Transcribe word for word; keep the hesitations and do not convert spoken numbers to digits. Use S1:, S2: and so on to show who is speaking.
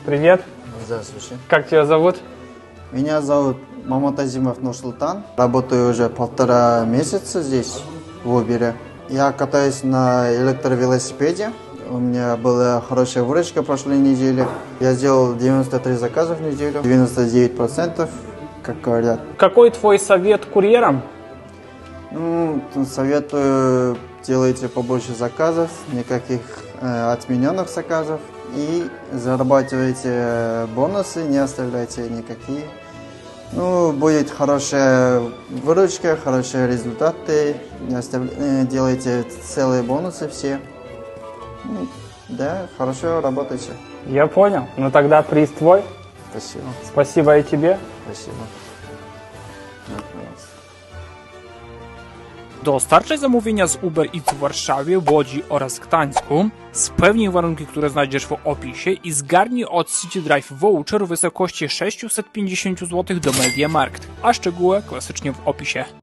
S1: Привет.
S2: Здравствуйте.
S1: Как тебя зовут?
S2: Меня зовут Маматазимов Нурсултан. Работаю уже полтора месяца здесь, в Uber. Я катаюсь на электровелосипеде. У меня была хорошая выручка прошлой неделе. Я сделал девяносто три заказа в неделю, девяносто девять процентов, как говорят.
S1: Какой твой совет курьерам?
S2: Ну, советую, делайте побольше заказов, никаких э, отмененных заказов. И зарабатывайте бонусы, не оставляйте никакие. Ну, будет хорошая выручка, хорошие результаты. Не остав... Делайте целые бонусы все. Ну, да, хорошо работайте.
S1: Я понял. Ну тогда приз твой.
S2: Спасибо.
S1: Спасибо и тебе.
S2: Спасибо.
S3: Dostarczaj zamówienia z Uber Eats w Warszawie, Łodzi oraz Gdańsku. Spełnij warunki, które znajdziesz w opisie i zgarnij od City Drive voucher w wysokości sześćset pięćdziesiąt złotych do MediaMarkt, a szczegóły klasycznie w opisie.